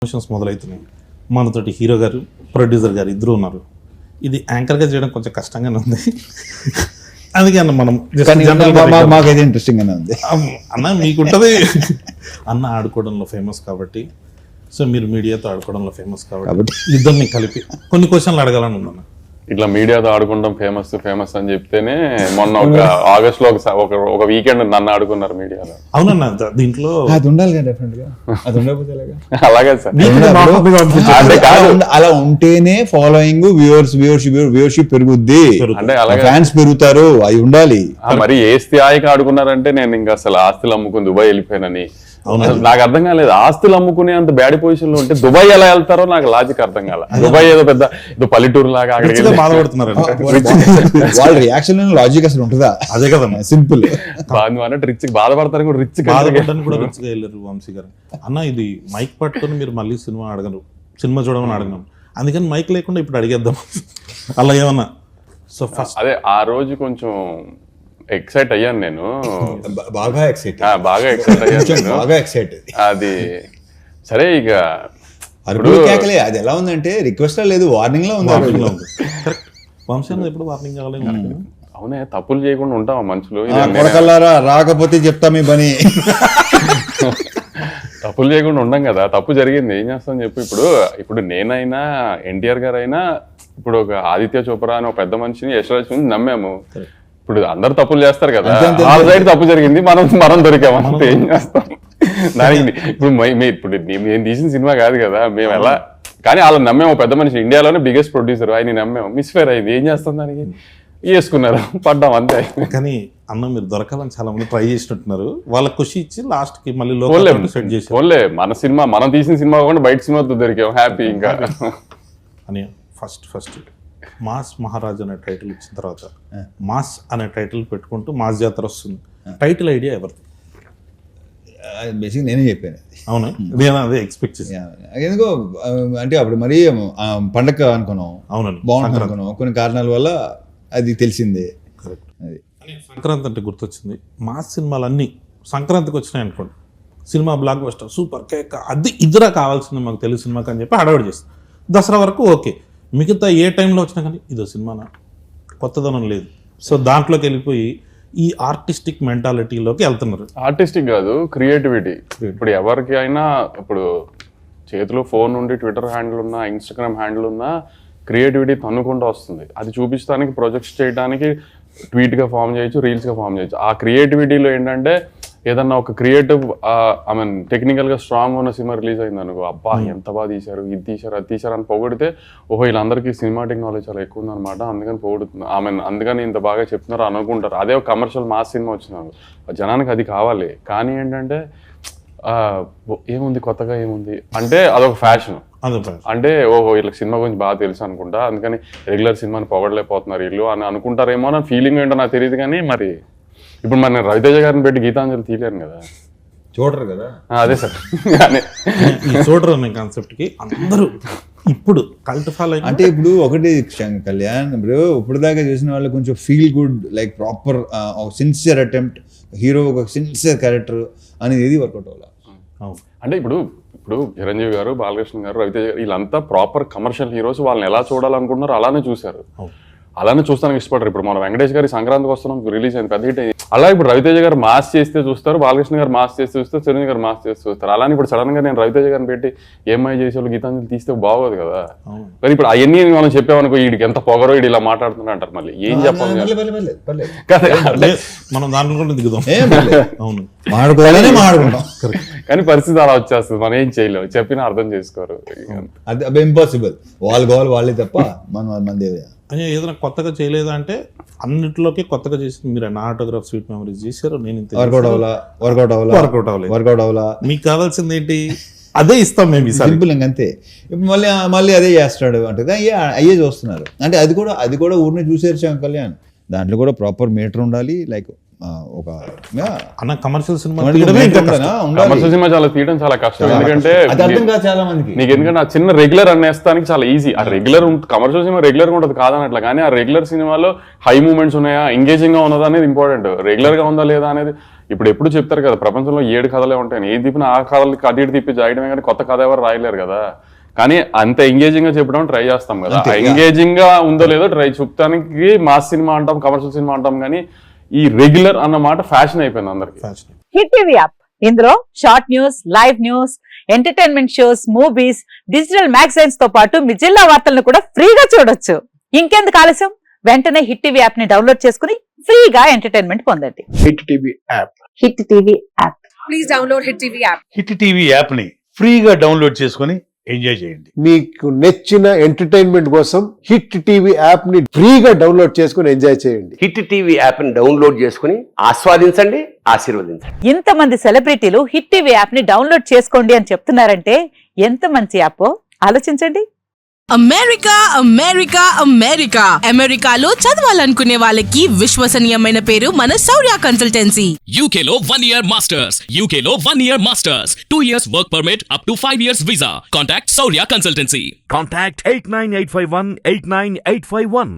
Promotions మొదలవుతున్నాయి. మనతోటి hero గారు, producer గారు ఇద్దరు ఉన్నారు. ఇది యాంకర్గా చేయడం కొంచెం కష్టంగానే ఉంది. అందుకే అన్న మనం మాకైతే ఇంట్రెస్టింగ్ గానే ఉంది. అన్న మీకుంటుంది అన్న ఆడుకోవడంలో ఫేమస్ కాబట్టి, సో మీరు మీడియాతో ఆడుకోవడంలో ఫేమస్ కాబట్టి ఇద్దరిని కలిపి కొన్ని క్వశ్చన్లు అడగాలని ఉందన్న. ఇట్లా మీడియాతో ఆడుకుంటాం ఫేమస్ అని చెప్తేనే మొన్న ఒక ఆగస్ట్ లో ఒక వీకెండ్ నన్ను ఆడుకున్నారు మీడియాలో. అవునన్న, దీంట్లో అది ఉండాలి కదా, డెఫినెట్ గా అది ఉండకపోతే అలాగే సార్, అలా ఉంటేనే ఫాలోయింగ్, వ్యూవర్షిప్ పెరుగుద్ది, అంటే అలాగే ఫ్యాన్స్ పెరుగుతారు, అవి ఉండాలి. మరి ఏ స్థాయికి ఆడుకున్నారంటే నేను ఇంకా అసలు ఆస్తులు అమ్ముకుని దుబాయ్ వెళ్ళిపోయానని. నాకు అర్థం కాలేదు, ఆస్తులు అమ్ముకునే అంత బ్యాడ్ పొజిషన్ లో ఉంటే దుబాయ్ ఎలా వెళ్తారో నాకు లాజిక్ అర్థం కాల. దుబాయ్ ఏదో పెద్ద పల్లెటూరు లాగా బాధపడుతున్నారు. వాళ్ళ రియాక్షన్ లాజిక్ అసలు ఉంటుందా? అదే కదా సింపుల్. రిచ్ బాధపడతారు కూడా, రిచ్ బాధపడడానికి కూడా రిచ్గా వెళ్ళారు వంశీ గారు. అన్న ఇది మైక్ పట్టుకొని మీరు మళ్ళీ సినిమా అడగరు, సినిమా చూడమని అడగను, అందుకని మైక్ లేకుండా ఇప్పుడు అడిగేద్దాం అలా ఏమన్నా. సో ఫస్ట్ అదే ఆ రోజు కొంచెం ఎక్సైట్ అయ్యాను నేను, బాగా ఎక్సైట్ అయ్యాను, బాగా ఎక్సైట్. అది సరే ఇక కేకలే. అది ఎలా ఉందంటే రిక్వెస్ట్ లేదు, వార్నింగ్ లో ఉంది. కరెక్ట్. వంశీ ఎప్పుడు వార్నింగ్ కావాలి. అవునే, తప్పులు చేయకుండా ఉంటావా మనుషులు? కొడకల్లారా రాకపోతే చెప్తా మీ పని. తప్పులు చేయకుండా ఉండం కదా, తప్పు జరిగింది ఏం చేస్తాం చెప్పు. ఇప్పుడు నేనైనా ఎన్టీఆర్ గారు అయినా, ఇప్పుడు ఒక ఆదిత్య చోప్రా అని ఒక పెద్ద మనిషిని, యశ్వరాజ్ నమ్మాము. ఇప్పుడు అందరు తప్పులు చేస్తారు కదా, వాళ్ళ సైడ్ తప్పు జరిగింది, మనం దొరికామంటే ఏం చేస్తాం దానికి. ఇప్పుడు నేను తీసిన సినిమా కాదు కదా, మేము ఎలా, కానీ వాళ్ళని నమ్మాము. పెద్ద మనిషి, ఇండియాలోనే బిగ్గెస్ట్ ప్రొడ్యూసర్, ఆయన నమ్మాము. మిస్ఫేర్ అయింది, ఏం చేస్తాం దానికి, వేసుకున్నారు, పడ్డాం అంతే. కానీ అన్న మీరు దొరకాలని చాలా మంది ట్రై చేసినట్టున్నారు, వాళ్ళకి ఖుషి ఇచ్చి లాస్ట్ కి మళ్ళీ సెట్ చేసి ఓన్లే మన సినిమా, మనం తీసిన సినిమా కాకుండా బయట సినిమాతో దొరికాం, హ్యాపీ. ఇంకా అని ఫస్ట్ మాస్ మహారాజ్ అనే టైటిల్ ఇచ్చిన తర్వాత మాస్ అనే టైటిల్ పెట్టుకుంటూ మాస్ జాతర వస్తుంది. టైటిల్ ఐడియా ఎవరిది? బేసిక్ నేనే చెప్పాను. అవునా, నేను అదే ఎక్స్పెక్ట్ చేశాను. ఎందుకో అంటే అప్పుడు మరీ పండగ అనుకున్నాం, అవునండి, బాగుంటుంది అనుకున్నాం. కొన్ని కారణాల వల్ల అది తెలిసిందే. కరెక్ట్. అది సంక్రాంతి అంటే గుర్తొచ్చింది, మాస్ సినిమాలన్నీ సంక్రాంతికి వచ్చినాయి అనుకోండి, సినిమా బ్లాక్ బస్టర్, సూపర్ కేక్, అది ఇద్దరా కావాల్సింది మాకు తెలుగు సినిమాకి అని చెప్పి హడావిడి చేస్తాం. దసరా వరకు ఓకే, మిగతా ఏ టైంలో వచ్చినా కానీ ఇదో సినిమానా, కొత్తదనం లేదు. సో దాంట్లోకి వెళ్ళిపోయి ఈ ఆర్టిస్టిక్ మెంటాలిటీలోకి వెళ్తున్నారు. ఆర్టిస్టిక్ కాదు, క్రియేటివిటీ. ఇప్పుడు ఎవరికి అయినా ఇప్పుడు చేతిలో ఫోన్ ఉండి ట్విట్టర్ హ్యాండిల్ ఉన్నా, ఇన్స్టాగ్రామ్ హ్యాండిల్ ఉన్నా, క్రియేటివిటీ తన్నుకుంటూ వస్తుంది. అది చూపించడానికి, ప్రొజెక్ట్స్ చేయడానికి ట్వీట్గా ఫామ్ చేయొచ్చు, రీల్స్గా ఫామ్ చేయొచ్చు. ఆ క్రియేటివిటీలో ఏంటంటే ఏదన్నా ఒక క్రియేటివ్ టెక్నికల్గా స్ట్రాంగ్ ఉన్న సినిమా రిలీజ్ అయింది అనుకో, అబ్బా ఎంత బాగా తీశారు, ఇది తీశారు, అది తీశారు అని పొగిడితే, ఓహో వీళ్ళందరికీ సినిమాటిక్ నాలెడ్జ్ చాలా ఎక్కువ ఉందన్నమాట, అందుకని పొగుడుతుంది, అందుకని ఇంత బాగా చెప్తున్నారు అనుకుంటారు. అదే ఒక కమర్షియల్ మాస్ సినిమా వచ్చినారు, జనానికి అది కావాలి. కానీ ఏంటంటే ఏముంది కొత్తగా, ఏముంది అంటే అదొక ఫ్యాషన్. అంటే ఓహో వీళ్ళకి సినిమా గురించి బాగా తెలుసు అనుకుంటా, అందుకని రెగ్యులర్ సినిమాని పొగడలేకపోతున్నారు వీళ్ళు అని అనుకుంటారేమో అని ఫీలింగ్ ఏంటో నాకు తెలియదు. కానీ మరి ఇప్పుడు మరి నేను రవితేజ గారిని పెట్టి గీతాంజలి తీయలేను కదా, చూడరు కదా. అదే సార్, చూడరు అనే కాన్సెప్ట్కి అందరూ ఇప్పుడు కల్ట్ ఫాలో. అంటే ఇప్పుడు ఒకటి కళ్యాణ్, ఇప్పుడు దాకా చూసిన వాళ్ళు కొంచెం feel good, like proper sincere attempt, hero ఒక సిన్సియర్ క్యారెక్టర్ అనేది ఏది వర్కౌట్ అవ్వాలి. అంటే ఇప్పుడు చిరంజీవి గారు, బాలకృష్ణ గారు, రవితేజ గారు వీళ్ళంతా ప్రాపర్ కమర్షియల్ హీరోస్. వాళ్ళని ఎలా చూడాలనుకుంటున్నారో అలానే చూశారు, అలానే చూస్తానికి ఇష్టపడరు. ఇప్పుడు మన వెంకటేష్ గారి సంక్రాంతికి వస్తున్నాం రిలీజ్ అయింది, పెద్ద హిట్ అయింది. అలా ఇప్పుడు రవితేజ గారు మాస్ చేస్తే చూస్తారు, బాలకృష్ణ గారు మాస్ చేస్తే చూస్తారు, చిరంజీవి గారు మాస్ చేస్తే చూస్తారు. అలానే ఇప్పుడు సడన్ గా నేను రవితేజ గారిని పెట్టి ఏమై చేసే వాళ్ళు గీతాంజలి తీస్తే బాగోదు కదా. మరి ఇప్పుడు అవన్నీ మనం చెప్పామనుకో, వీడికి ఎంత పొగరో, వీడు ఇలా మాట్లాడుతున్నా అంటారు, మళ్ళీ ఏం చెప్పాలి మనం దాంట్లో కూడా దిగుదాం. అవును, కానీ పరిస్థితి అలా వచ్చేస్తుంది, మనం ఏం చేయలేము, చెప్పినా అర్థం చేసుకోరు. అది ఇంపాసిబుల్, వాళ్ళు కావాలి వాళ్ళే తప్ప మనదే. అని ఏదైనా కొత్తగా చేయలేదా అంటే అన్నింటిలోకి కొత్తగా చేసింది మీరు. నా ఆటోగ్రాఫ్ స్వీట్ మెమరీస్ చేశారు, నేను వర్కౌట్ అవ్వాలా. మీకు కావాల్సింది ఏంటి, అదే ఇస్తాం మేము, సింపుల్ అంతే. ఇప్పుడు మళ్ళీ అదే చేస్తాడు అంటే అయ్యే చూస్తున్నారు. అంటే అది కూడా ఊరిని చూసేసాం కళ్యాణ్, దాంట్లో కూడా ప్రాపర్ మీటర్ ఉండాలి. లైక్ ఒక కమర్షియల్ సినిమా చాలా తీయడం చాలా కష్టం, ఎందుకంటే చాలా మందికి నీకు ఎందుకంటే ఆ చిన్న రెగ్యులర్ అనేస్తానికి చాలా ఈజీ. ఆ రెగ్యులర్ కమర్షియల్ సినిమా రెగ్యులర్ గా ఉంటుంది కాదనట్లా, కానీ ఆ రెగ్యులర్ సినిమాలో హై మూమెంట్స్ ఉన్నాయా, ఎంగేజింగ్ గా ఉన్నదా అనేది ఇంపార్టెంట్. రెగ్యులర్ గా ఉందా లేదా అనేది ఇప్పుడు ఎప్పుడు చెప్తారు కదా ప్రపంచంలో 7 కథలే ఉంటాయని, ఏ తిప్పిన ఆ కథలకి అటు ఇటు తిప్పి చేయడమే కానీ కొత్త కథ ఎవరు రాయలేరు కదా. కానీ అంత ఎంగేజింగ్ గా చెప్పడం ట్రై చేస్తాం కదా, ఎంగేజింగ్ గా ఉందో లేదో ట్రై చూపడానికి మాస్ సినిమా అంటాం, కమర్షియల్ సినిమా అంటాం, కానీ ఈ రెగ్యులర్ అన్న మాట ఫ్యాషన్ అయిపోయింది అందరికి. హిట్ టీవీ యాప్, ఇందులో short news, live news, entertainment shows, movies, digital magazines తో పాటు మీ జిల్లా వార్తలను కూడా ఫ్రీగా చూడొచ్చు. ఇంకెందుకు ఆలస్యం, వెంటనే హిట్ టీవీ యాప్ ని డౌన్లోడ్ చేసుకుని ఫ్రీగా ఎంటర్టైన్మెంట్ పొందండి. Hit TV app. Hit TV app. Please download hit TV app. Hit TV app ని ఫ్రీగా డౌన్లోడ్ చేసుకొని ఎంజాయ్ చేయండి. మీకు నచ్చిన ఎంటర్టైన్మెంట్ కోసం హిట్ టీవీ యాప్ ని ఫ్రీగా డౌన్లోడ్ చేసుకొని ఎంజాయ్ చేయండి. హిట్ టీవీ యాప్ ని డౌన్లోడ్ చేసుకుని ఆస్వాదించండి, ఆశీర్వదించండి. ఇంతమంది సెలబ్రిటీలు హిట్ టీవీ యాప్ ని డౌన్లోడ్ చేసుకోండి అని చెప్తున్నారంటే ఎంత మంచి యాప్ ఆలోచించండి. అమెరికా అమెరికా అమెరికా అమెరికాలో చదవాలనుకునే వాళ్ళకి విశ్వసనీయమైన పేరు మన శౌర్య కన్సల్టెన్సీ. UK లో 1 year masters. UK లో 1 year masters. 2 years work permit up to 5 years visa. Contact Saurya Consultancy. Contact 89851 89851.